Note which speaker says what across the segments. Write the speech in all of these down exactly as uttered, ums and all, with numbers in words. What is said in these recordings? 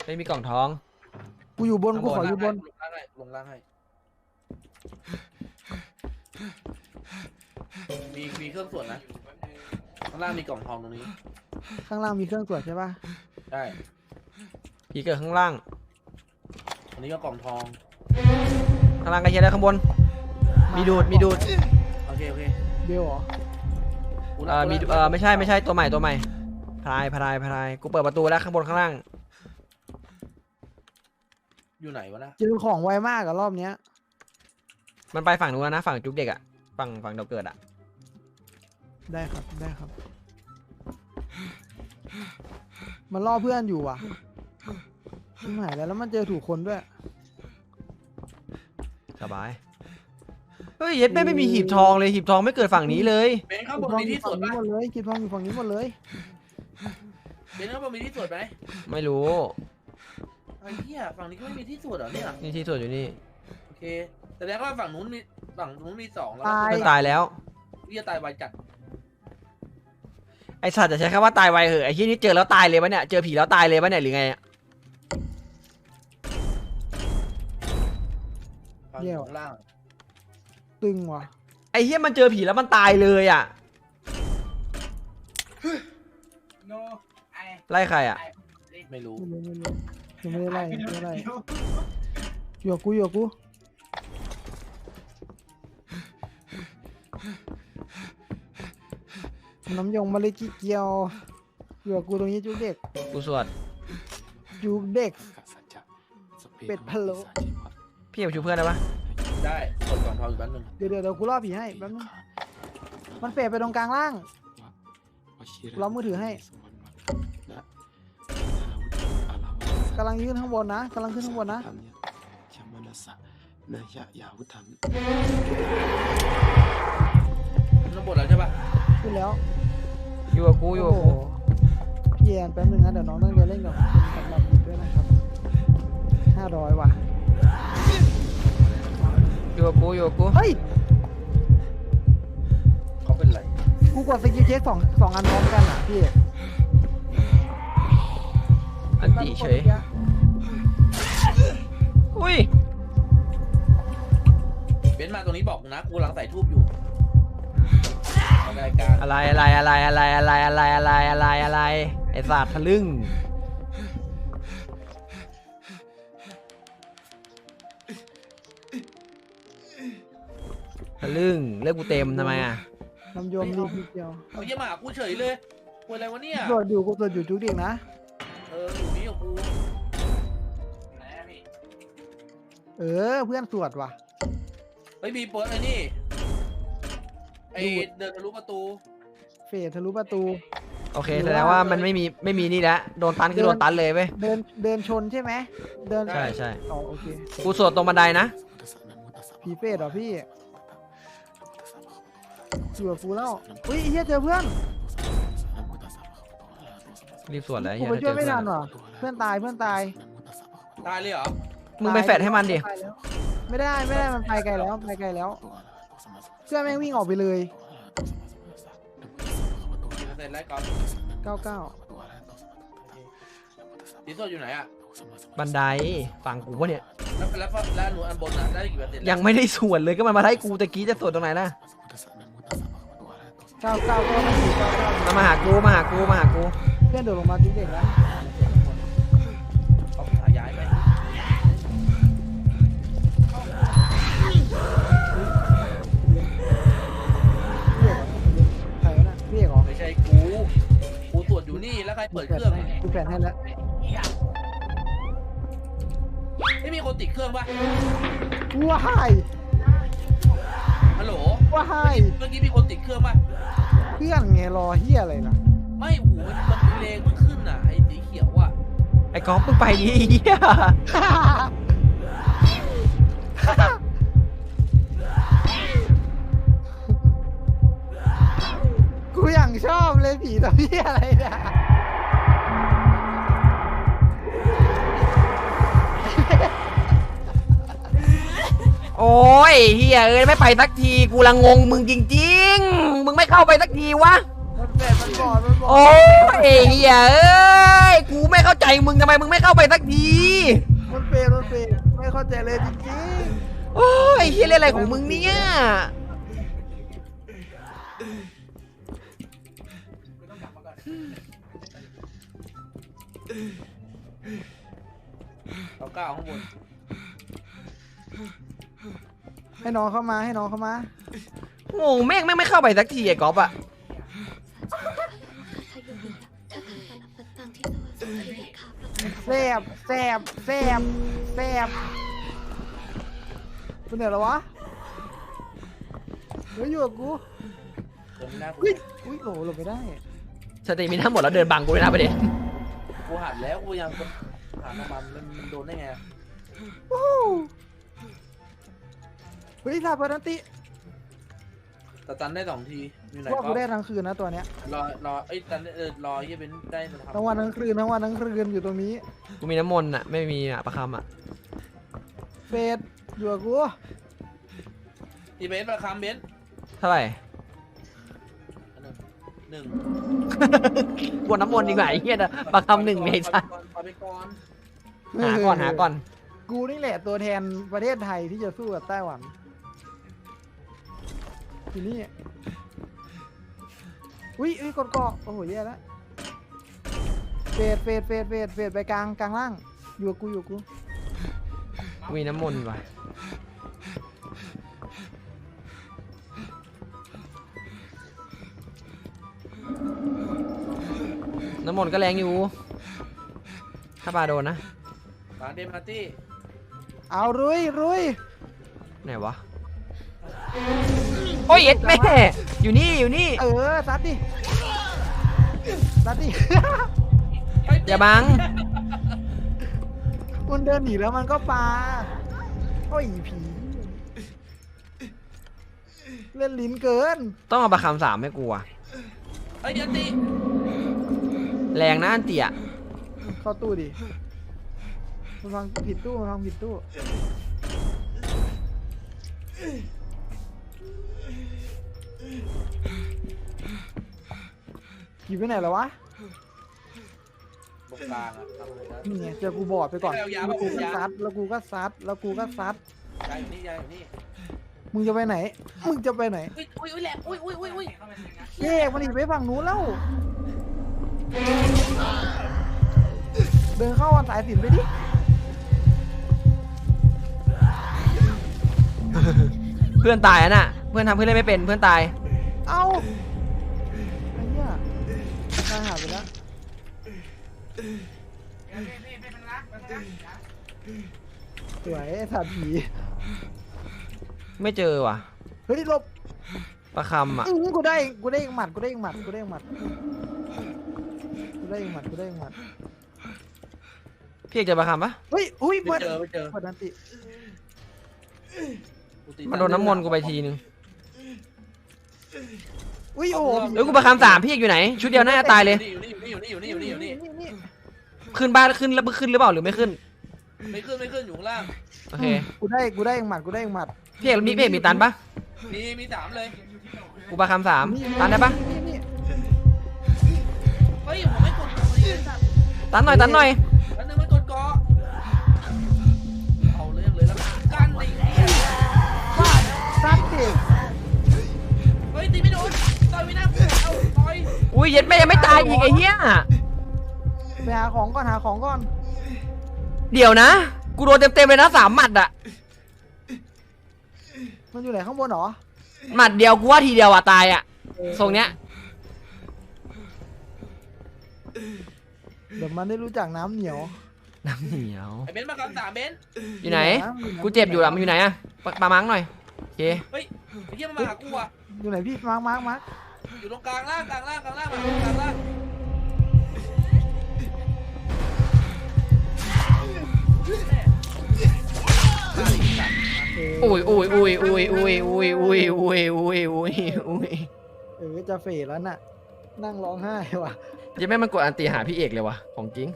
Speaker 1: ไม่มีกล่องทอง
Speaker 2: กูอยู่บนกูขออยู่บน
Speaker 3: ลงล่างให้ลงล่างให้มีมีเครื่องส่วนนะข้างล่างมีกล่องทองตรงนี้
Speaker 2: ข้างล่างมีเครื่องตรวจใช่ปะ
Speaker 3: ใช่
Speaker 1: ผีเกิดข้างล่าง
Speaker 3: อันนี้ก็กล่องทอง
Speaker 1: ข้างล่างก็เชียร์แล้วข้างบนมีดูดมีดูด
Speaker 3: โอเคโอเค
Speaker 2: เบลเหรอ
Speaker 3: กู
Speaker 1: เอ่อมีเอ่อไม่ใช่ไม่ใช่ตัวใหม่ตัวใหม่พลายพลายพลายกูเปิดประตูแล้วข้างบนข้างล่าง
Speaker 3: อยู่ไหนวะนะ
Speaker 2: เจอของไวมากอะรอบเนี้ย
Speaker 1: มันไปฝั่งนู้นแล้วนะฝั่งจุกเด็กอะฝั่งฝั่งเราเกิดอะ
Speaker 2: ได้ครับได้ครับ มันล่อเพื่อนอยู่ว่ะชิบหายแล้วแล้วมันเจอถูกคนด้วย
Speaker 1: สบายเฮ้ยเย็ดแม่ไม่มีหีบทองเลยหีบทองไม่เกิดฝั่งนี้เลย
Speaker 3: เบนข้างบ
Speaker 2: กิ
Speaker 3: น
Speaker 2: ทอง
Speaker 3: มี
Speaker 2: อยู่
Speaker 3: ที่ส
Speaker 2: ฝั่
Speaker 3: ว
Speaker 2: ง
Speaker 3: ด
Speaker 2: นี้
Speaker 3: ปะ
Speaker 2: หมดเลยกิทองอยู่ฝั่งนี้หมดเลย
Speaker 3: เบนข้างบนมีที่สวดไหม
Speaker 1: ไม่รู้
Speaker 3: ไอ้เหี้ยฝั่งนี้ก็ไม่มีที่สวดเหรอเนี่ย
Speaker 1: นี่ที่ส่วนอยู่นี่
Speaker 3: โอเคแสดงว่าฝั่งนู้นมีฝั่งนู้นมีสองแล้ว
Speaker 2: ตาย
Speaker 1: เพื่อนตายแล้ว
Speaker 3: เหี้ยตายไวจัด
Speaker 1: ไอสัตว์จะใช้คำว่าตายไวเหอะไอ้ที่นี่เจอแล้วตายเลยปะเนี่ยเจอผีแล้วตายเลยปะเนี่ยหรือไงอะ
Speaker 3: ฝั่งอยู่ข้างล่าง
Speaker 2: ตึงว่ะ
Speaker 1: ไอ้เหี้ยมันเจอผีแล้วมันตายเลยอะไล่ใครอะ
Speaker 3: ไม่รู้
Speaker 2: ไม่รู้ไม่รู้ยังไม่ได้ไล่ยังไม่ได้ไล่อยู่กับกูอยู่กับกูน้ำยงมะลิกิเกียวอยู่กับกูตรงนี้จุกเด็ก
Speaker 1: กูสวด
Speaker 2: จุกเด็ก เป็ดพะโล้
Speaker 1: พี่อยากช่วยเพื่อนได้ปะ
Speaker 3: ได้กดกล่องทองอยู่แป๊บนึง
Speaker 2: เดี๋ยวเดี๋ยวเดี๋ยวกูล่อผีให้แป๊บนึงมันเปรตไปตรงกลางล่าง เรามือถือให้ กำลังยื่นข้างบนนะกำลังขึ้นข้างบนนะ
Speaker 3: น้ำบดแล้วใช่ปะ
Speaker 2: ขึ้นแล้ว
Speaker 1: อยู่กับกูอยู่กับกู
Speaker 2: เย็นแป๊บนึงนะเดี๋ยวน้องต้องเรียนเล่นกับสำหรับอีกด้วยนะครับห้าร้อยว่ะ
Speaker 1: อยู่กับกูอยู่กับกู
Speaker 2: เฮ้ย
Speaker 3: เขาเป็นไร
Speaker 2: กูกดสกิลเช็คสองสองอันพร้อมกันอ่ะพี่
Speaker 1: อันติเฉยอุ้ย
Speaker 3: เบนซ์มาตรงนี้บอกกูนะกูกำลังใส่ทูบอยู่รายการ
Speaker 1: อะไรอะไรอะไรอะไรอะไรอะไรอะไรอะไรอะไรไอ้สัตว์ทะลึ่งทะลึ่งเลือกกูเต็มทำไมอ่ะ
Speaker 2: น้ำยมรีบนิดเดียว
Speaker 3: เอาเยี่ยมาหากูเฉยเลยกูอะไรวะเนี่ย
Speaker 2: ตรวจอยู่กูตรวจอยู่จุกเด็กนะ
Speaker 3: เอออยู่นี่กับกู
Speaker 2: เออเพื่อนตรวจว่ะ
Speaker 3: เฮ้ยมีเปิดไอ้นี่ไอเดินทะลุประตู
Speaker 2: เฟดทะลุประตู
Speaker 1: โอเคแสดงว่ามันไม่มีไม่มีนี่แล้วโดนตันคือโดนตันเลยเว้ย
Speaker 2: เดินเดินชนใช่ไหมเดิน
Speaker 1: ใช่ใช่
Speaker 2: อ๋อโอเค
Speaker 1: กูสวดตรงบันไดนะ
Speaker 2: ผีเฟดเหรอพี่อยู่กับกูแล้วอุ้ยเฮียเจอเพื่อน
Speaker 1: รีบสวดเลย
Speaker 2: กู
Speaker 1: เหี้ย
Speaker 2: ไป
Speaker 1: ถ้า
Speaker 2: ช่
Speaker 1: เจ
Speaker 2: วย
Speaker 1: อ
Speaker 2: ไม่
Speaker 1: เพื่อน
Speaker 2: ทันว่ะเพื่อนตายเพื่อนตาย
Speaker 3: ตายเลยเหรอ
Speaker 1: มึงไปแฟดให้มันดิ
Speaker 2: ตายแล้วไม่ได้ไม่ได้มันไปไกลแล้วไปไกลแล้วเพื่อนแม่งวิ่งออกไปเลย
Speaker 3: กี่เปอร์เซ็นต์ไล่ก่อน
Speaker 2: เก้าเก้า
Speaker 3: ดีโซอยู่ไหนอะ
Speaker 1: บันไดฝั่งกูวะเนี่ย
Speaker 3: แล้วแล้วแล้วหนูอันบนอะได้กี่เปอร์เซ็นต์
Speaker 1: ยังไม่ได้สวดเลยก็มันมาไล่กูตะกี้จะสวดตรงไหนล่ะ
Speaker 2: เก้าเก้าเก้าสี่เก้าเก้า
Speaker 1: มามาหากูมาหากูมาหากู
Speaker 2: เพื่อนโดดลงมาจุกเด็กแล้ว
Speaker 3: เขาหาย้ายไหม
Speaker 2: ใครวะน่ะพี่เอกเหรอ
Speaker 3: ไม่ใช่กูกูตรวจอยู่นี่แล้วใครเปิดเครื่อง
Speaker 2: กูแฟนให้แล้ว
Speaker 3: ไม่มีคนติดเครื่องปะ
Speaker 2: ว้าย
Speaker 3: ฮัลโหล
Speaker 2: ว้าย
Speaker 3: เมื่อกี้มีคนติดเครื่องปะ
Speaker 2: เพื่อนไงรอเฮียอะไรล่ะ
Speaker 3: ไม่โอ้โหมันมันเลงมันขึ้นอ่ะไอ้สีเขียวอ่ะ
Speaker 1: ไอ้ก๊อฟมึงไปดิเหี้ย
Speaker 2: กูอย่างชอบเลยผีตัวเฮียอะไรเนี่ย
Speaker 1: โอ้ยเฮียเอ้ยไม่ไปสักทีกูละงงมึงจริงๆมึงไม่เข้าไปสักทีวะ
Speaker 2: มันแดดมันบอดมันบอด
Speaker 1: โอ้ยเฮียเอ้ยกูไม่เข้าใจมึงทำไมมึงไม่เข้าไปสักที
Speaker 2: มันเฟดมันเฟดไม่เข้าใจเลยจริง
Speaker 1: โอ้ยเฮียเล่นอะไรของมึงเนี่ย
Speaker 3: เอาก้าวข้างบน
Speaker 2: ๆให้น้องเข้ามาให้น้องเข้ามา
Speaker 1: โง่แม่งแม่งไม่เข้าไปสักทีไอ้ก๊อฟอะ
Speaker 2: แซบแซบแซบแซบคุณเหนื่อยแล้ววะเฮ้ยอยู่กับกู
Speaker 3: เดินไม่ได้กู
Speaker 2: เฮ้ยอุ้ยโหลบไม่ได้
Speaker 1: สติมีทั้งหมดแล้วเดินบังกูเลยนะประเด็น
Speaker 3: กูหันแล้วกูยังหันออกมามันโดนได้ไง
Speaker 2: วู้เฮ้ยลาบานันติ
Speaker 3: แต่ตันได้สองทีอยู่ไหน
Speaker 2: ว่า
Speaker 3: ก็
Speaker 2: กูได้ทั้งคืนนะตัวเนี้ย
Speaker 3: รอรอไอ้ยตันเออรอเฮียเป็นได้มันทำ
Speaker 2: ทั้งวันทั้งคืนทั้งวันทั้งคืนอยู่ตรงนี้
Speaker 1: กูมีน้ำมนต์อะไม่มีอะประคำอะ
Speaker 2: เฟดอยู่กับกู
Speaker 3: อีเบนซ์ประคำเบนซ์
Speaker 1: เท่าไหร่
Speaker 3: หนึ่ง
Speaker 1: กวนน้ำมนต์ดีกว่าไอ้เหี้ยนะประคำหนึ่งไม่ใช่
Speaker 3: เอาไปก่อน
Speaker 1: หาก่อนหาก่อน
Speaker 2: กูนี่แหละตัวแทนประเทศไทยที่จะสู้กับไต้หวันทีนี้อุ้ยอุ้ยกดเกาะโอ้โหแย่แล้วเฟดเฟดเฟดเฟดเฟดไปกลางกลางล่างอยู่กับกูอยู่กับกู
Speaker 1: กูมีน้ำมนต์ว่ะน้ำมนต์ก็แรงอยู่ ถ้าปลาโดนนะ
Speaker 3: มาเดมาร์ตี้
Speaker 2: เอารุยรุย
Speaker 1: ไหนวะ โอ้ยเอ็ดแม่ อยู่นี่อยู่นี่
Speaker 2: เออซัดดิซัดดิ
Speaker 1: อย่าบัง
Speaker 2: มันเดินหนีแล้วมันก็ปาโอ้ยผีเล่นลิ้นเกิน
Speaker 1: ต้องเอาประคำสามให้กูอะ
Speaker 3: ไอ้ยยันตี
Speaker 1: แรงนะอันเตีย
Speaker 2: เข้าตู้ดิมันฟังผิดตู้มันฟังผิดตู้ขี่ไปไหนแล้ววะ
Speaker 3: ตรงกลางอะทำอะไรได้
Speaker 2: นี่ไงเจอกูบอดไปก่อน
Speaker 3: เอายา
Speaker 2: แล้วกูก็
Speaker 3: เอายา
Speaker 2: ซัดแล้วกูก็ซัดแล้วกูก็ซัด
Speaker 3: ยายอยู่นี่ยายอยู่นี่
Speaker 2: มึงจะไปไหน มึงจะไปไหน
Speaker 3: อุ้ยอุ้ยอุ้ยแหลมอุ้ยอุ้ยอุ้ยอุ้ย
Speaker 2: แยกมันอีกไปฝั่งนู้นแล้ว เดินเข้าวันสายสินไปดิ
Speaker 1: เพื่อนตายอะน่ะ เพื่อนทำเพื่อนเล่นไม่เป็นเพื่อนตาย
Speaker 2: เอาไอ้เหี้ยตายหาไปแล้วสวยไอ้สัตว์ผี
Speaker 1: ไม่เจอว่ะ
Speaker 2: เฮ้ยหลบ
Speaker 1: ประคำอะ
Speaker 2: อื้อกูได้กูได้อีกหมัดกูได้อีกหมัดกูได้อีกหมัดกูได้อีกหมัดกูได้อีกหมัด
Speaker 1: พี่เอกเจอประคำปะ
Speaker 2: เฮ้ยอุ้ย
Speaker 3: ไม่
Speaker 2: เปิด
Speaker 3: เจอไม่เจอ
Speaker 2: เปิดนันติ
Speaker 3: กูตี
Speaker 1: มันโดนน้ำมนต์กูไปทีนึง
Speaker 2: อุ้ยโอ้โห
Speaker 1: เอ้ยกูประคำสามพี่เอกอยู่ไหน ชุดเดียวน่าจะตายเลย
Speaker 3: อยู่นี่อยู่นี่อยู่นี่อยู่นี่อยู่นี่อยู่นี่
Speaker 2: นี่
Speaker 1: ขึ้นบ้านขึ้นแล้วขึ้นหรือเปล่าหรือไม่ขึ้น
Speaker 3: ไม่ขึ้นไม่ขึ้นอยู่ข้างล่าง
Speaker 1: โอเค
Speaker 2: กูได้กูได้อีกหมัดกูได้อีกหมัด
Speaker 1: พี่เอกมีพี่เอกมีตันปะ
Speaker 3: มีมีสามเลย
Speaker 1: กูประคำสามตันได้ปะ
Speaker 2: นี่นี่
Speaker 3: เฮ้ยผมไม่กดเกาะเลยสัตว์
Speaker 1: ตันหน่อยตันหน่อย
Speaker 3: แล้วนึงไม่กดเกาะเอาเรื่องเลยแล้วกันไอ้เหี้ย
Speaker 2: ว่าซัดดิ
Speaker 3: เฮ้ยตีไม่โดนต่อยไม่น่าเอาต่อย
Speaker 1: อุ้ยเย็ดแม่ยังไม่ตายอีกไอ้เหี้ย
Speaker 2: ไปหาของก่อนหาของก่อน
Speaker 1: เดี๋ยวนะ กูโดนเต็มๆเลยนะสามหมัดอะ
Speaker 2: มันอยู่ไหนข้างบนเหรอ
Speaker 1: หมัดเดียวกูว่าทีเดียวอะตายอะทรงเนี้ย
Speaker 2: เดี๋ยวมันได้รู้จักน้ำเหนียว
Speaker 1: น้ำเหนียว
Speaker 3: ไอ้เบนซ์มาคำสามเบนซ์
Speaker 1: อยู่ไหน กูเจ็บอยู่อะมันอยู่ไหนอะปะปามังหน่อยโอเค
Speaker 3: เฮ้ยไอ้เหี้ยมันมาหากูอะ
Speaker 2: อยู่ไหนพี่มาร์คมาร์คมาร์ค
Speaker 3: อยู่ตรงกลางล่างกลางล่างกลางล่างมากลางล่าง
Speaker 1: อุ้ยอุ้ยอุ้ยอุ้ยอุ้ยอุ้ยอุ้ยอุ้ยอุ้ยอุ้ยอุ้ย
Speaker 2: เออจะเฟดแล้วน่ะ นั่งร้องไห้ว่ะ
Speaker 1: ยังไม่มันกดอันตีหาพี่เอกเลยวะของจริง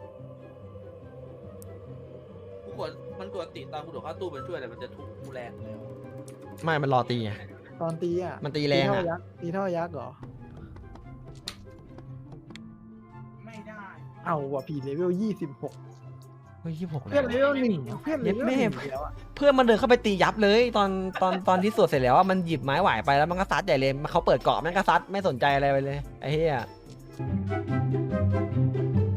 Speaker 3: กูกดมันกดติตอนกูโดดเข้าตู้มันช่วยแต่มันจะทุบกูแรงเลย
Speaker 1: ไม่มันรอตีไง
Speaker 2: ตอนตีอ่ะ
Speaker 1: มันตีแรงอะ
Speaker 2: ตีเท่ายักษ์ตีเท่ายักษ์เหรอเอาว่ะพี่เลเวลยี่สิบหก
Speaker 1: เฮ้ยยี่สิบหก
Speaker 2: เพื่อนเลเวลหนึ่งเพื่อนเลเวลหนึ่ง
Speaker 1: เย็ดแม่
Speaker 2: แล้วอะ
Speaker 1: เพื่อนมันเดินเข้าไปตียับเลยตอนตอนตอนที่สวดเสร็จแล้วอะมันหยิบไม้หวายไปแล้วมันก็ซัดใหญ่เลยเขาเปิดเกาะมันก็ซัดไม่สนใจอะไรไปเลยไอ้เหี้ย